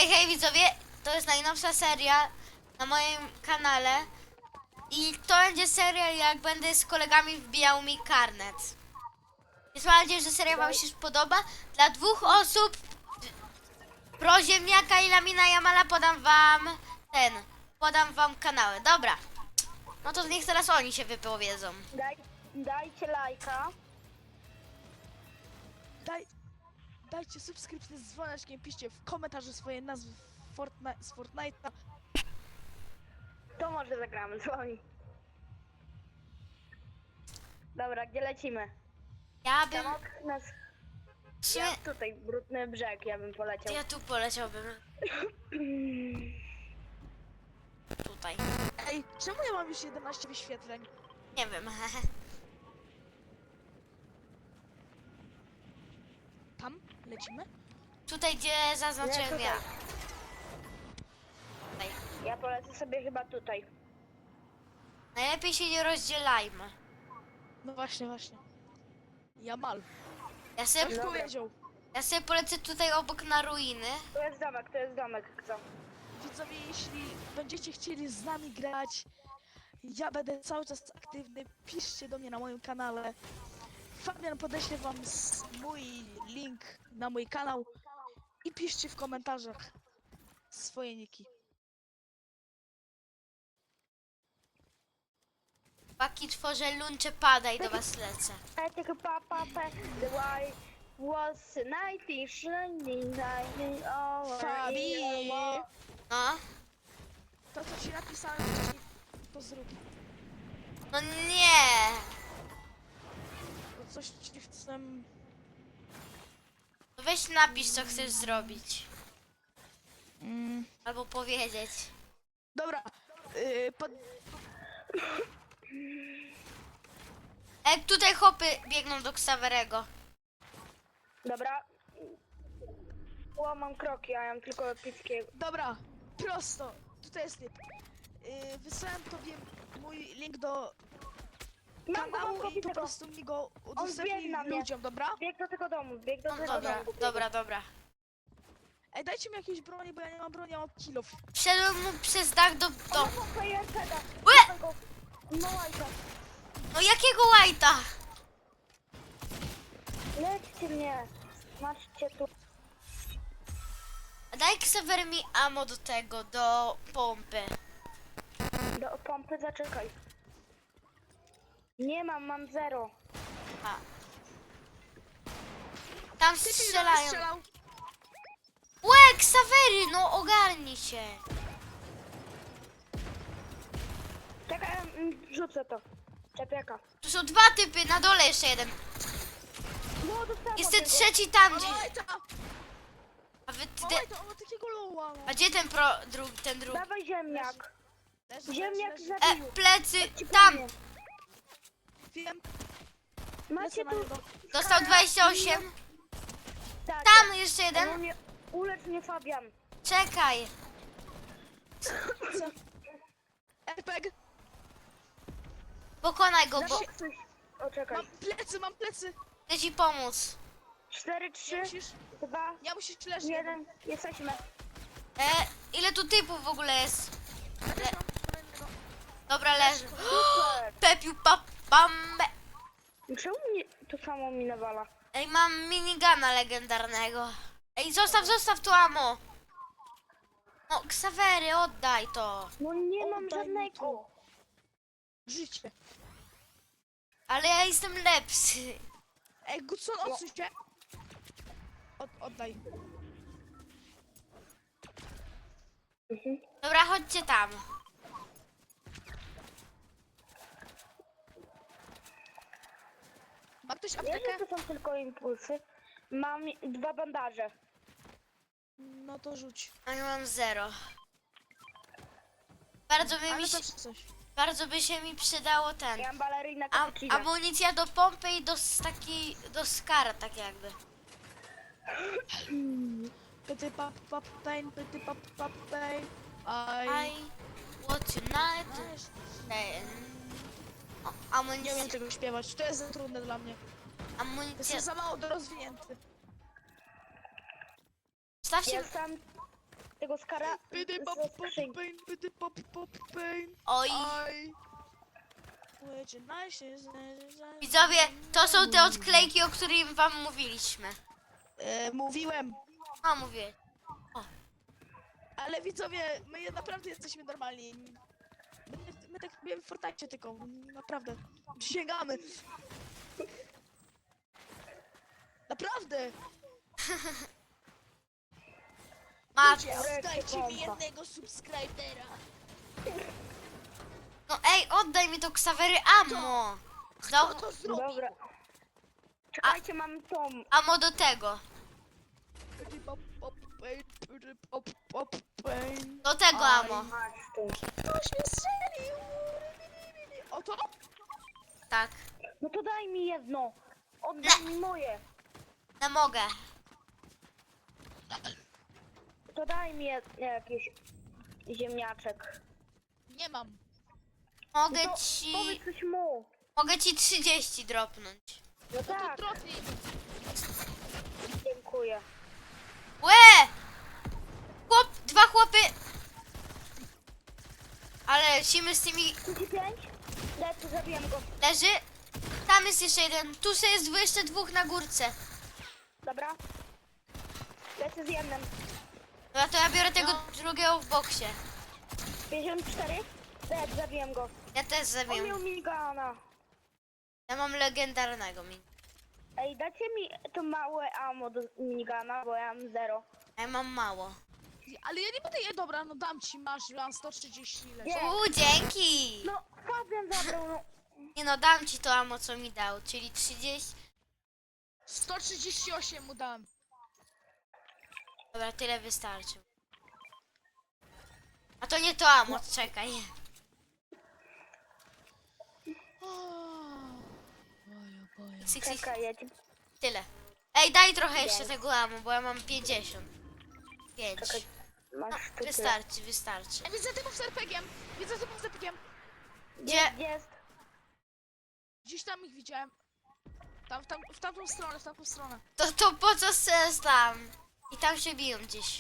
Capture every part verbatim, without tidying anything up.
Hej, hej widzowie, to jest najnowsza seria na moim kanale i to będzie seria, jak będę z kolegami wbijał mi karnet. Więc mam nadzieję, że seria wam się spodoba. Dla dwóch osób, Proziemniaka i Lamina Jamala, podam wam ten, podam wam kanały. Dobra, no to niech teraz oni się wypowiedzą. Daj, dajcie lajka. Daj, dajcie subskrypcję z dzwoneczkiem, piszcie w komentarzu swoje nazwy Fortnite, z Fortnite'a. To może zagramy z wami. Dobra, gdzie lecimy? Ja bym, Samok nas... w sumie, Ja tutaj, brudny brzeg, ja bym to poleciał. ja tu poleciałbym, tutaj, Ej, czemu ja mam już jedenaście wyświetleń? nie wiem. Tam? Lecimy? Tutaj, gdzie zaznaczyłem tutaj. ja. Tutaj. Ja polecę sobie chyba tutaj. Najlepiej się nie rozdzielajmy. No właśnie, właśnie. Jamal. Ja Ktoś sobie, Dobra. powiedział. ja sobie polecę tutaj obok na ruiny. To jest domek, to jest domek, co? Widzowie, jeśli będziecie chcieli z nami grać, ja będę cały czas aktywny, piszcie do mnie na moim kanale. Fabian podeślę wam s- mój link na mój kanał i piszcie w komentarzach swoje niki. Paki tworzę luncze pada i do was lecę. I take a pop up the white was nineteen shining nineteen over Fabi! No. To co ci napisałem wcześniej, to zrób. No nie. Bo coś ci chcę... No weź napisz, co chcesz zrobić. Mm. Albo powiedzieć. Dobra, yy, pod... Jak tutaj chłopy biegną do Xaverego. Dobra. O, mam kroki, a ja mam tylko epickiego. Dobra, prosto, tutaj jest typ. Yy, wysłałem tobie mój link do Mam go, mam kanału go, i po widzę go. prostu mi go biegł udostępnij na mnie. ludziom, dobra? Bieg do tego domu, bieg do No tego dobra, domu. dobra, dobra. Ej, dajcie mi jakieś broni, bo ja nie mam broni, ja mam kilof. Wszedłem mu przez dach do O, domu. no, Fajerceda. Łe! No łajka. No jakiego łajta? Lećcie mnie. Maczcie tu. Daj Xaver mi ammo do tego, do pompy. Do pompy zaczekaj. Nie mam, mam zero. A. Tam Ty strzelają. strzelał. Łe, Xavery, no ogarnij się. Czekaj, mm, rzucę to. Czepiaka. Tu są dwa typy, na dole jeszcze jeden. No, dostałem Jest od ten niego. trzeci tam, Mam gdzie... łajta, A, wy, ty, mam łajta, on ma takiego loła. a gdzie ten pro, drugi, ten drugi? Dawaj ziemniak. Leży, Ziemniak leży, leży. E, zabił. plecy, Ci tam. pewnie. Wiem, Macie lecę na tu... niego. Dostał dwadzieścia osiem. Tak, Tam jeszcze tak. jeden. Mnie, ulecz mnie Fabian. Czekaj. Co? R P G. Pokonaj go, bo Dawaj coś. O, czekaj. Mam plecy, mam plecy. chcę ci pomóc. Cztery, Nie trzy, musisz, dwa, nie musisz leżeć. jeden. Jesteśmy. E, ile tu typów w ogóle jest? Też mam kolejnego. Dobra, leży. Super. Pepiu pap bambe. Czemu mnie to samo mi nawala? Ej, mam minigana legendarnego. Ej, zostaw, zostaw tu ammo. No, Xavery, oddaj to. No nie mam Oddaj mi żadnego. to. Życie. Ale ja jestem lepszy. Ej, Gudson, odsuń się. Od, oddaj. Mhm. Dobra, chodźcie tam. Ma ktoś Ja aptekę? to są tylko impulsy. Mam dwa bandaże. No to rzuć. A ja mam zero. Bardzo by, Ale mi się, też coś. bardzo by się mi przydało ten. Ja mam balerinę Am, cappuccino. amunicja do pompy i do s- takiej, do skara, tak jakby. Pyty pap pap pain, pyty pap pap pain. I I... want tonight. Ej, o, Nie amunicja, umiem tego śpiewać, to jest za trudne dla mnie. amunicja. Jestem za mało dorozwinięty. Stawcie, Jestem... tego skara Pydy pop ze pop skrzynki. pain, pydy pop pop pain. Oj. Aj. Łycie najsie, Widzowie, to są te odklejki, o których wam mówiliśmy. E, mówiłem, No mówię. ale widzowie, my naprawdę jesteśmy normalni. My, my tak robimy w Fortnite tylko, naprawdę. Przysięgamy. Naprawdę. Ma... Ludzie, oddajcie mi jednego subskrybera. No ej, oddaj mi to Ksawery ammo. Kto Znowu to zrobi? Dobra. Czekajcie, mam tą. ammo do tego. Pydy pop pop pain, pydy pop pop pain. Do tego Aj. ammo. Masz tu. Ktoś mnie strzelił. O to? Tak. No to daj mi jedno. Oddaj mi moje. Nie mogę. To daj mi jed- jakiś ziemniaczek. Nie mam. Mogę No to ci... powiedz coś mu. Mogę ci trzydzieści dropnąć. No No to tak, trofej. dziękuję. Łe! Chłop, dwa chłopy. Ale lecimy z tymi... trzydzieści pięć? Lecę, zabiłem go. Leży. Tam jest jeszcze jeden. Tu sobie jest jeszcze dwóch na górce. Dobra. Lecę z jednym. Dobra, to ja biorę tego drugiego w boksie. pięćdziesiąt cztery? Lecę, zabiłem go. Ja też On zabiję. miał migana. Ja mam legendarnego min. Ej, dajcie mi to małe ammo do minigana, bo ja mam zero. A ja mam mało. Ale ja nie będę je, dobra, no dam ci, masz, mam sto trzydzieści ile. Nie. Uuu, dzięki! No, Fabian zabrał, no. Nie no, dam ci to ammo, co mi dał, czyli trzydzieści... sto trzydzieści osiem mu dam. Dobra, tyle wystarczy. A to nie to ammo, czekaj. Boję, boję. Six, six, Czekaj, ja ci... tyle. Ej, daj trochę jeszcze Dzięki. tego ammo, bo ja mam pięćdziesiąt. pięć. Czekaj, No, masz tu tyle. wystarczy, wystarczy. Ja widzę typów z er pe gie em. Widzę typów z er pe gie em. Gdzie? Gdzie jest? Gdzieś tam ich widziałem. Tam, w tam, w tamtą stronę, w tamtą stronę. To, to po co sens tam? I tam się biją gdzieś.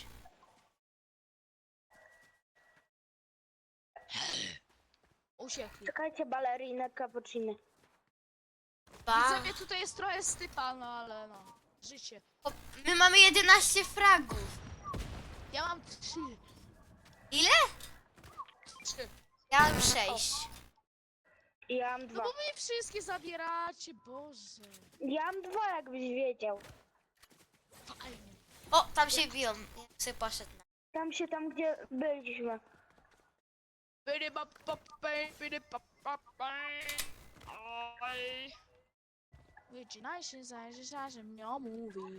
Uciekli. Czekajcie, balerinę cappuccino. Ba. Widzę, mnie tutaj jest trochę stypa, no ale no. Życie. O, my mamy jedenaście fragów. Ja mam trzy. Ile? Trzy. Ja mam sześć. I ja mam No dwa. bo wy wszystkie zabieracie, Boże. Ja mam dwa, jakbyś wiedział. Fajnie. O, tam się biją. Ja sobie poszedł. Tam się, tam gdzie byliśmy. Pydy pop pop pain, pydy pop pop pain. Oj. Wycinaj się, zajrzysz, że mnie mówi.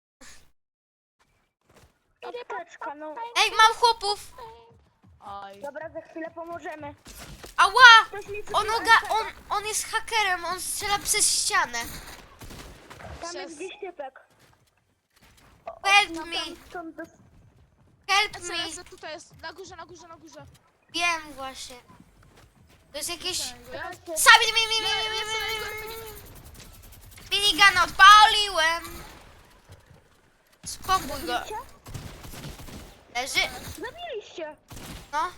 Apteczka, no. Ej, mam chłopów! Oj. Dobra, za chwilę pomożemy. Ała! Ktoś mi On, rzucił oga, R P G. on, on jest hakerem, on strzela przez ścianę. Tam Przez- jest gdzieś typek. Help No me, tam, stąd dos... help Lecę, me. lecę, tutaj jest. Na górze, na górze, na górze. Wiem właśnie. To jest jakieś... Ja Sami mi, mi, mi, mi, mi, mi, mi. Minigana odpaliłem. Spokój go. Widzicie? Leży. Zabiliście. No.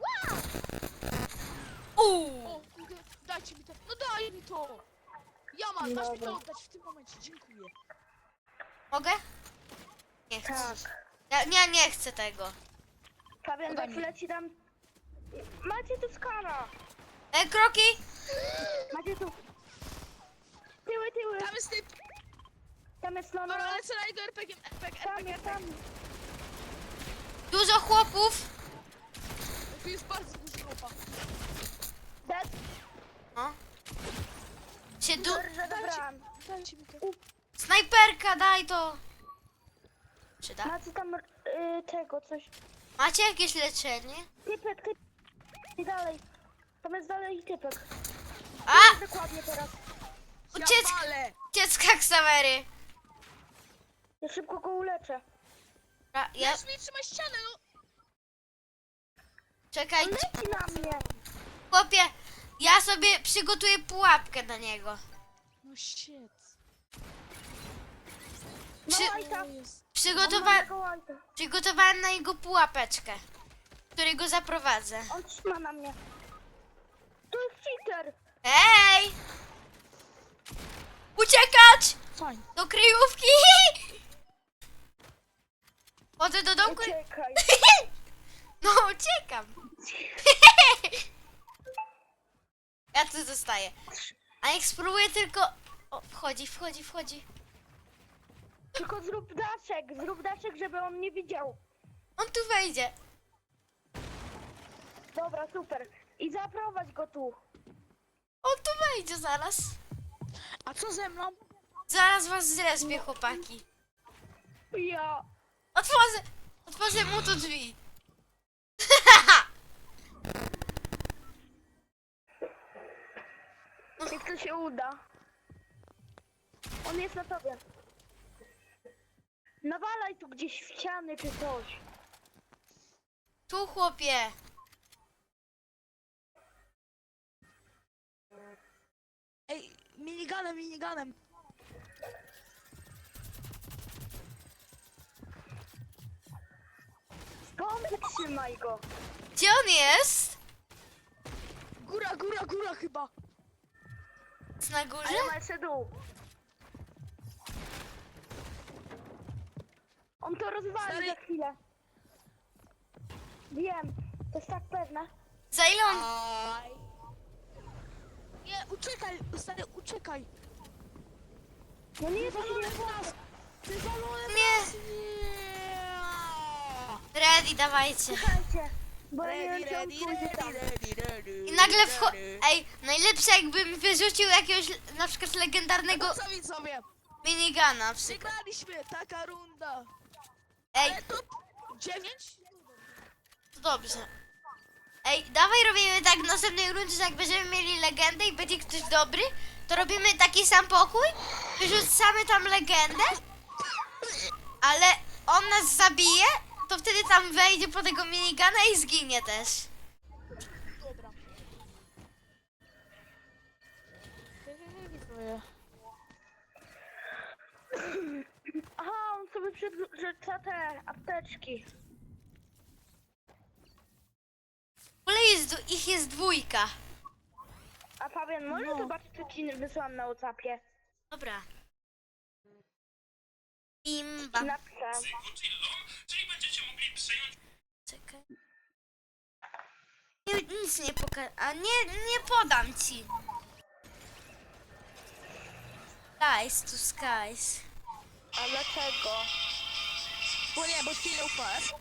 Uuu. O, kurde, dajcie mi to. No daj mi to. Ja mam, dasz mi to Dobra. oddać w tym momencie, dziękuję. Mogę? Nie chcę. Tak. Ja, nie, nie chcę tego. Fabian, za Podaj mi. chwilę ci dam... Macie tu skara. E, kroki? Macie tu... Tyły, tyły. Tam jest typ. Tam jest no, no. Dobra, lecę na jego er pe gie em. er pe gie, er pe Tam gie. jest, tam. Dużo chłopów. Tu jest bardzo dużo chłopa. Dead. No. Się du... Dobrze, dobrałam. Dajcie mi to. Snajperka, daj to. Przyda? Macie tam y, tego, coś. Macie jakieś leczenie? Typek, typek. I dalej. Tam jest dalej typek. A! Dokładnie teraz. Uciec... Ja palę. Uciecka Ksawery. Ja szybko go uleczę. Dobra, ja... Lecz mi trzymaj ścianę, no. Czekaj, On leci na mnie. chłopie. Ja sobie przygotuję pułapkę na niego. No shit. No Czy- i tam. To jest. Przygotowa Mikołajka. przygotowałem na niego pułapeczkę, w której go zaprowadzę. On trzyma na mnie. To jest cheater. Hej! Uciekać! Fajnie. Do kryjówki! Chodzę do domku. Uciekaj. No, uciekam. Ja tu zostaję. A niech spróbuję tylko... O, wchodzi, wchodzi, wchodzi. Tylko zrób daszek, zrób daszek, żeby on nie widział. On tu wejdzie. Dobra, super. I zaprowadź go tu. On tu wejdzie zaraz. A co ze mną? Zaraz was zrespię, chłopaki. Ja. Otworzę, otworzę mu tu drzwi. Jak to się uda. On jest na tobie. Nawalaj tu gdzieś w ściany czy coś. Tu, chłopie. Ej, miniganem, miniganem. Skąd trzymaj go? Gdzie on jest? Góra, góra, góra chyba. Jest na górze? A ja mam jeszcze dół. On to rozwali Stary- za chwilę. Wiem, to jest tak pewne. Za ile on... Aj. Nie, uciekaj, stary, uciekaj. No nie, to się nie Wywalone w nas. Wywalone w Nie. nas. Nie. Ready, dawajcie. Słuchajcie, bo ja nie Ready, wiem, czy on ready, pójdzie tam. ready, ready, ready. I nagle wcho... ready. Ej, najlepsze jakbym wyrzucił jakiegoś na przykład legendarnego No co widzowie? minigana na przykład. Wygraliśmy, taka runda. Ej, Ale to dziewięć? to dobrze. Ej, dawaj robimy tak w następnej rundzie, że jak będziemy mieli legendę i będzie ktoś dobry, to robimy taki sam pokój, wyrzucamy tam legendę, ale on nas zabije, to wtedy tam wejdzie po tego minigana i zginie też. Dobra. Hej, hej, hej, widzowie. Aha, on sobie przerzuca te apteczki. W ogóle jest, dwu- ich jest dwójka. A Fabian, może No. zobaczyć, co ci wysłałam na WhatsAppie? Dobra. Imba. Napisałam. Czyli będziecie mogli przejąć Czekaj. Nie, nic nie pokażę. A nie, nie podam ci. Skies to skies. A dlaczego? Bo nie, bo ci nie ufasz.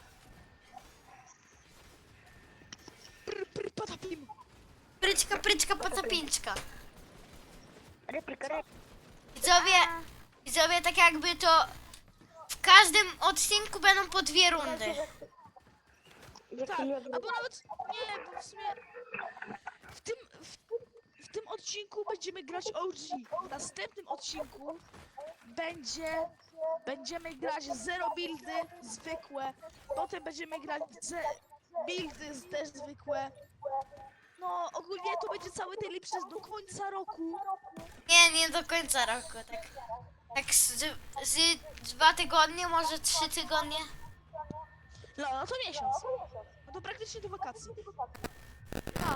Pr, pr, patapim. Pryczka, pryczka, pacapinczka. Replika, replika. Widzowie, widzowie, tak jakby to w każdym odcinku będą po dwie rundy. Tak, albo nawet nie, bo w sumie w tym, w, w tym odcinku będziemy grać O G. W następnym odcinku będzie, będziemy grać zero buildy zwykłe, potem będziemy grać ze, buildy z- też zwykłe. No ogólnie to będzie cały ten przez do końca roku. Nie, nie do końca roku, tak. Tak z, z dwa tygodnie, może trzy tygodnie. No, no to miesiąc. No to praktycznie do wakacji. A,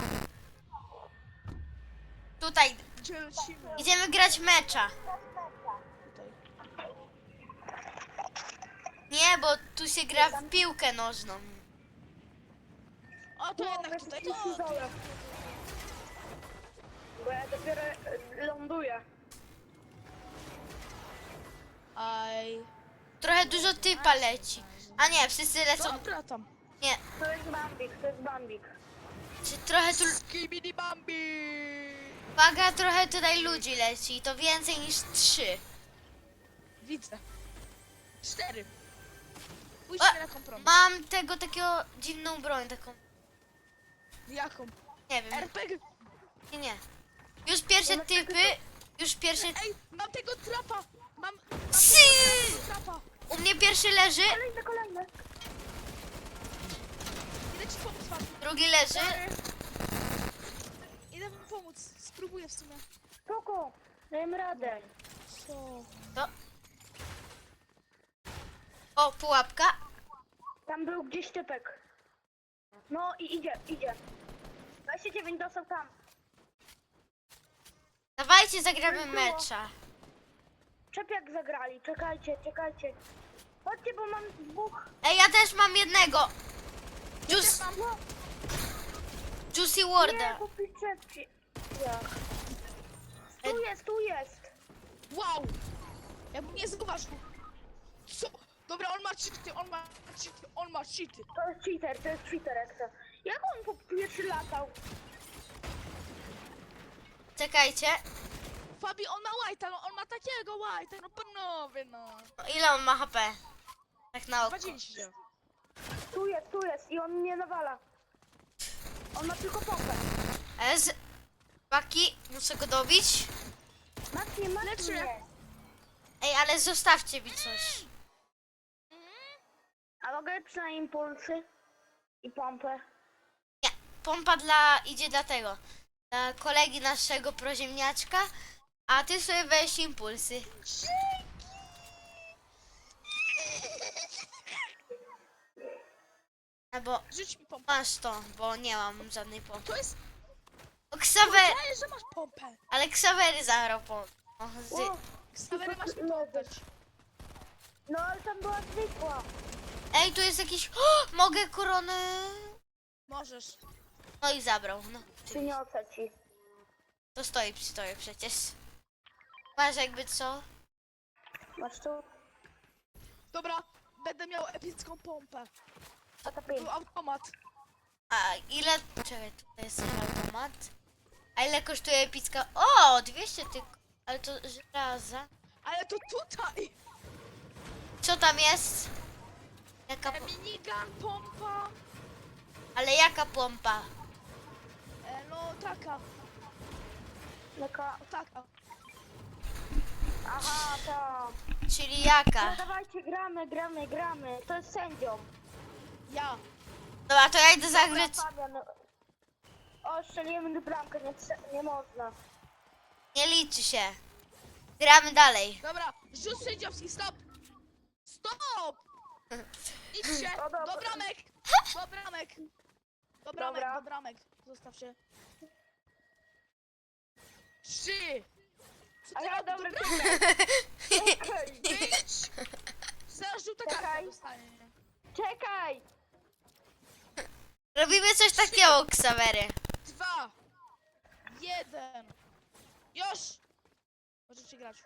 Tutaj gdzie lecimy? idziemy grać mecza. Tutaj. Nie, bo tu się gra w piłkę nożną. O, to jednak tutaj, to... Bo ja dopiero e, ląduję. Aj. Trochę dużo typa leci. A nie, wszyscy lecą. Dobra tam. Nie, To jest Bambik, to jest Bambik. czy trochę tu. Skibidi Bambi! Uwaga, trochę tutaj ludzi leci. To więcej niż trzy. Widzę. Cztery. Pójdźmy A, na kompromis. Mam tego takiego dziwną broń, taką. Jaką? Nie wiem. R P G. Nie, nie. Już pierwsze typy. Już pierwsze. Ej, mam tego trapa! Mam, mam Psy! tego trapa! U mnie pierwszy leży, Kolejny, kolejny. Idę ci pomóc, Fabi. drugi leży. Idę wam pomóc. Spróbuję w sumie. Spoko, dajemy radę. Co? To. O, pułapka. Tam był gdzieś typek. No i idzie, idzie. dwadzieścia dziewięć dostał tam. Dawajcie, zagramy Było. mecza. Czepiak zagrali, czekajcie, czekajcie. Chodźcie, bo mam dwóch. Ej, ja też mam jednego. Juice, No, Juicy nie, Warda. kupi czepki. Jak? Tu jest, tu jest. Wow! Ja bym nie zauważył. Co? Dobra, on ma cheaty, on ma cheaty, on ma cheaty. To jest cheater, to jest cheater, jak to. Jak on po pierwszy latał? Czekajcie. Fabi, on ma white'a, no on ma takiego white'a, no panowie, no. Ile on ma H P? Tak na oko. dwadzieścia. Tu jest, tu jest i on mnie nawala. On ma tylko pompę. S. Paki, muszę go dobić. Matnie, matnie. Ej, ale zostawcie mi coś. A mogę przynajmniej impulsy i pompę? Nie, pompa dla, idzie dla tego. Dla kolegi naszego proziemniaczka. A ty sobie weź impulsy. Albo Rzuć mi pompę. masz to, bo nie mam żadnej pompy. To jest... O, Ksawer... Powiedziałeś, że masz pompę. Ale Ksawery zagrał pompę. O, z... O, Ksawery masz mi poddać. no ale tam była zwykła. Ej, tu jest jakiś... O, mogę koronę... Możesz. No i zabrał, no. Przyniosę ci. To stoi przy tobie przecież. Masz jakby co? Masz tu? Dobra, będę miał epicką pompę. A to pięć. Był automat. A ile... Czekaj, tutaj jest automat. A ile kosztuje epicka? O, dwieście tylko. Ale to żelaza. Ale to tutaj! Co tam jest? Jaka... E, po- minigun, pompa. Ale jaka pompa? E, no taka, Jaka? o taka. Aha, to. Czyli No jaka? dawajcie, gramy, gramy, gramy. To jest sędzią. Ja. Dobra, to ja idę zagrać. Dobra, Fabian. O, strzeliłem bramkę, nie, trze- nie można. Nie liczy się. Gramy dalej. Dobra, rzut sędziowski, stop! Stop! Idźcie, O, dobra. do bramek! Do bramek! Do bramek, Dobra. do bramek. Zostaw się. Trzy! Co A ty ja robisz? dobra, Do bramek! Czekaj. Pięć! Zaraz żółta karta Czekaj. dostanie. Czekaj. Robimy coś takiego, Ksawery. Dwa! Jeden! Już! Możecie grać.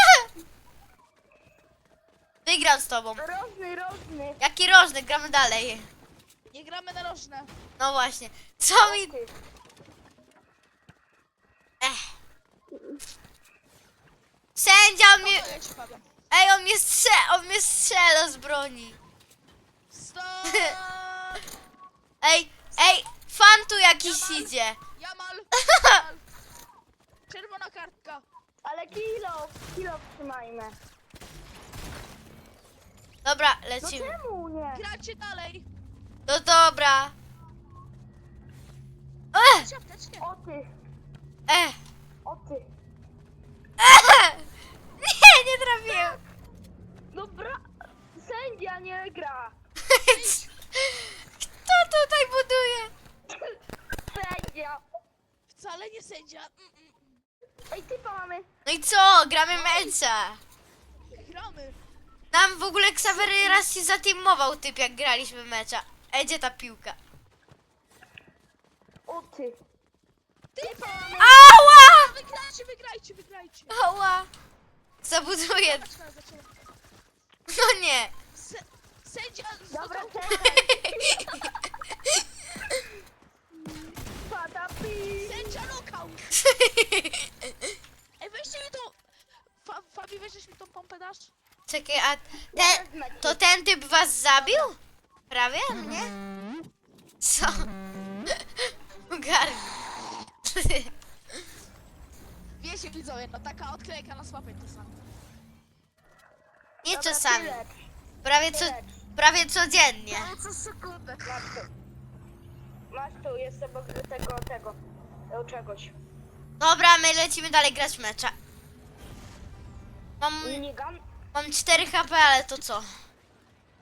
Wygram z tobą. Rożny, rożny. Jaki rożny, gramy dalej. Nie gramy na rożne. No właśnie. Co mi... Ty. Ech. Sędzia on mnie... To ja ci powiem. Ej, on mnie strze... On mnie strzela z broni. Stop! Ej, ej, fan tu jakiś Jamal. idzie. Jamal! Jamal. Czerwona kartka. Ale kilo, kilo trzymajmy. Dobra, No lecimy. czemu nie? Gracie dalej. No dobra. Ech, Ciapteczkę. O ty, ech, o ty. ech. Nie, nie trafiłem. Dobra, sędzia nie gra. Kto tutaj buduje? Sędzia. Wcale nie sędzia. Mm, mm. Ej, typa mamy. No i co? Gramy mecha. Gramy. Nam w ogóle Ksawery raz się zateamował typ, jak graliśmy mecza. Ej, gdzie ta piłka? O ty. Typa mamy. Ała! Wygrajcie, wygrajcie, wygrajcie. Ała! Zabuduję. Zaczyna, zaczyna. No nie. Se, sędzia Dobra, został. czekaj. Pada pi. Sędzia lokał. Ej, weźcie mi tą... Fa, Fabi, weźmiesz mi tą pompę, dasz? Czekaj, a ten, to ten typ was zabił? Prawie? Nie? Co? Ogarnij. Wiecie, widzowie, no taka odklejka na słapę to samo. Nie Dobra, czasami. tyle. Prawie, co, Tyle. prawie codziennie. co sekundę. Masz tu. Masz tu, jest obok tego, tego. Tego czegoś. Dobra, my lecimy dalej grać mecza. Mam, Minigun? mam cztery H P, ale to co?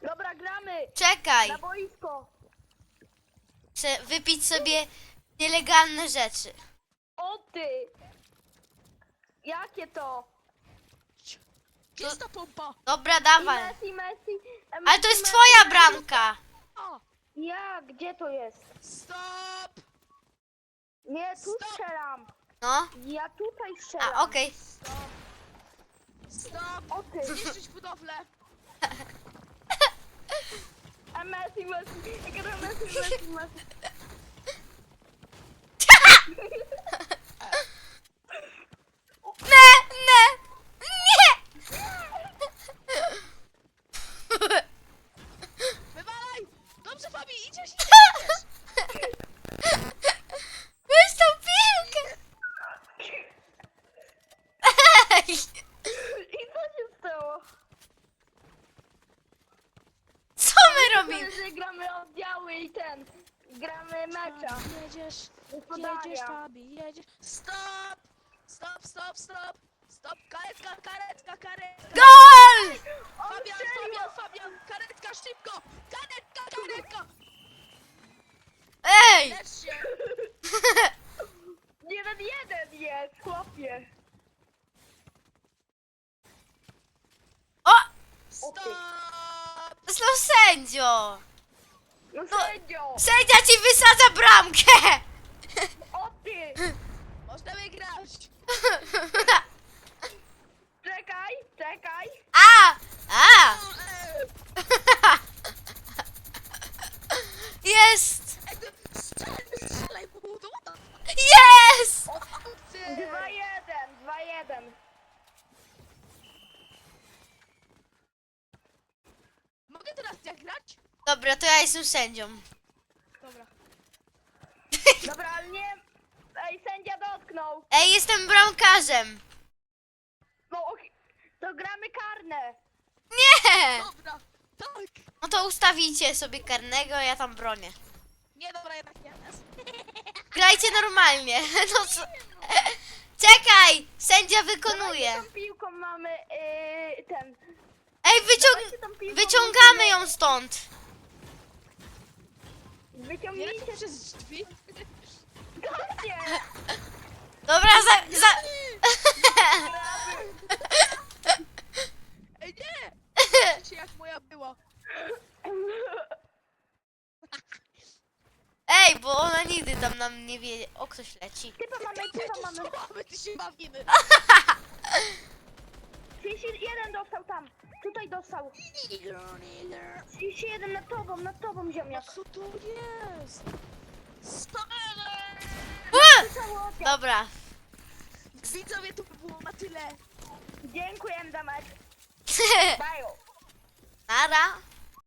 Dobra, gramy! Czekaj, Na boisko! chcę wypić sobie nielegalne rzeczy. O ty! Jakie to? Gdzie jest ta pompa? Dobra, I dawaj. Messi, Messi! e, Ale to jest Messi, twoja Messi. bramka. O! Ja, gdzie to jest? Stop! Nie, tu Stop. strzelam! No, Ja tutaj strzelam! a okej. Stop! Stop! O ty! Zniszczyć budowlę! A Messi, Messi! Ja gram Messi, Messi, Messi! Ne, ne, nie! Wywalaj! Dobrze, Fabi, idziesz, idziesz! Weź tą piłkę! Ej! I co się stało? Co my robimy? Że gramy oddziały i ten... Gramy mecza. Jedziesz, Gospodaria. jedziesz, Fabi, jedziesz. Stop! Stop, stop, stop! Stop, karetka, karetka, karetka! Gol! Fabian, strzelił! Fabian, Fabian, karetka, szybko! Karetka, karetka! Ej! Lecz się! Jeden, jeden jest, chłopie. O! Stop! Znów sędzio! No sędzio! Sędzia ci wysadza bramkę! O ty! Można wygrać! Czekaj, czekaj! A! A! O, ej! Jest! Ej, ty strzelaj, strzelaj, bo to Jest! ty! Dwa jeden, dwa jeden. Mogę teraz jak grać? Dobra, to ja jestem sędzią. Dobra. Dobra, ale nie... Ej, sędzia dotknął. Ej, jestem bramkarzem! No, och, to gramy karne. Nie! Dobra, tak! No to ustawicie sobie karnego, a ja tam bronię. Nie, dobra, jednak nie. Grajcie normalnie. No co? Czekaj! Sędzia wykonuje. Tą piłką mamy yy, ten... Ej, wyciąg... Dawajcie tą piłką, wyciągamy musimy- ją stąd. Nie Wyciągnijcie lecę przez drzwi. Goście! Dobra, za... za... Ej, nie! Wiecie jak moja była. Ej, bo ona nigdy tam nam nie wie... O, ktoś leci. Typa mamy, typa Wiecie, mamy. co mamy, ty się bawimy. trzydzieści jeden dostał tam. Tutaj dostał. trzydzieści jeden nad tobą, nad tobą No ziemniak. co to jest? Stop! U! Cały oddział. Dobra. Widzowie, to by było na tyle. Dziękuję za mecz. Bye. Nara.